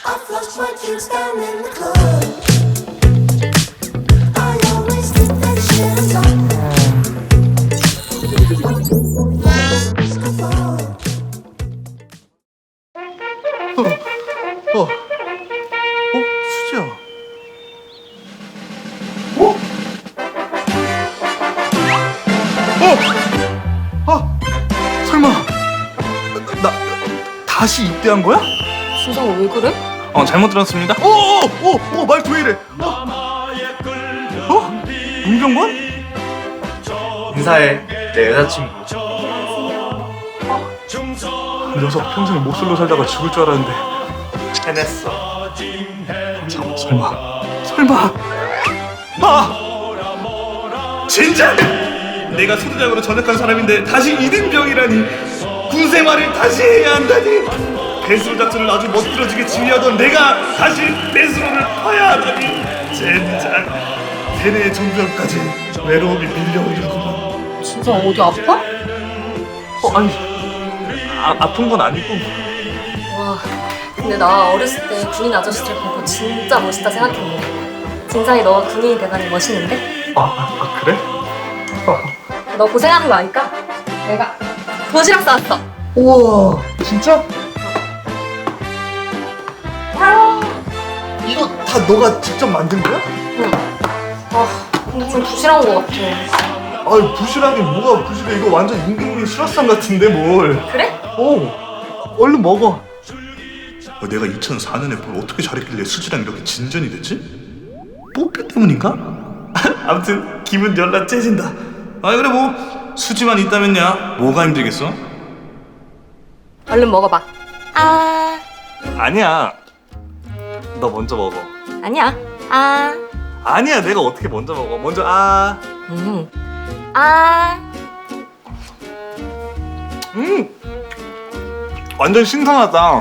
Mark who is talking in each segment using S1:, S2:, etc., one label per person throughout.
S1: I flush my drinks down in the club. I always keep that shit on top.
S2: 수지야. 설마 나 다시 입대한 거야?
S3: 진짜 왜 그래?
S4: 잘못 들었습니다.
S2: 말투 왜 이래? 문병관?
S4: 인사해. 내 여자친구.
S2: 그 녀석 평생 목술로 살다가 죽을 줄 알았는데.
S4: 해냈어.
S2: 설마.
S4: 진짜? 내가 소대장으로 전역한 사람인데 다시 이등병이라니. 군 생활을 다시 해야 한다니. 배수로 작전을 아주 멋들어지게 지휘하던 내가 다시 배수로를 파야 하다니. 젠장. 세뇌의 정병까지 외로움이 밀려오는구만.
S3: 진짜 어디 아파?
S4: 아픈 건 아니고.
S3: 와, 근데 나 어렸을 때 군인 아저씨들 보고 진짜 멋있다 생각했는데 진상이 너가 군인이 되다니 멋있는데?
S2: 그래?
S3: 너 고생하는 거 아니까? 내가 도시락 싸왔어.
S2: 우와, 진짜? 이거 다 너가 직접 만든 거야?
S3: 응. 근데 좀 부실한 거 같아.
S2: 부실하긴 뭐가 부실해. 이거 완전 임금님 수라상 같은데 뭘.
S3: 그래?
S2: 얼른 먹어.
S4: 내가 2004년에 뭘 어떻게 잘했길래 수지랑 이렇게 진전이 됐지? 뽀삐 때문인가? 아무튼 기분 열나 째진다. 그래 뭐 수지만 있다면야 뭐가 힘들겠어?
S3: 얼른 먹어봐.
S4: 아니야. 너 먼저 먹어.
S3: 아니야.
S4: 아니야, 내가 어떻게 먼저 먹어. 먼저 완전 신선하다.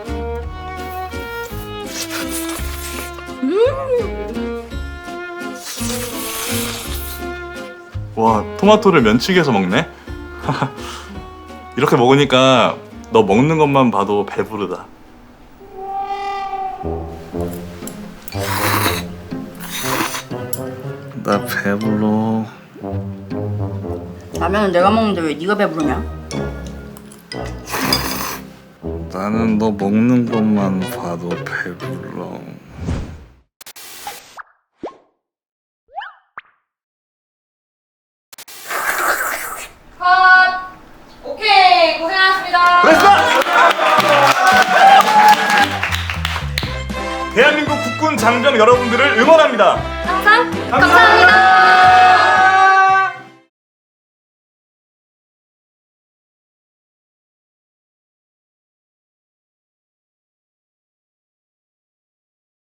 S4: 와, 토마토를 면치기해서 먹네. 이렇게 먹으니까 너 먹는 것만 봐도 배부르다. 나 배불러.
S5: 라면은 내가 먹는데 왜 네가 배부르냐?
S4: 나는 너 먹는 것만 봐도 배불러.
S3: 오케이, 고생하셨습니다.
S4: 대한민국 국군 장병 여러분들을 응원합니다.
S3: 항상 감사합니다.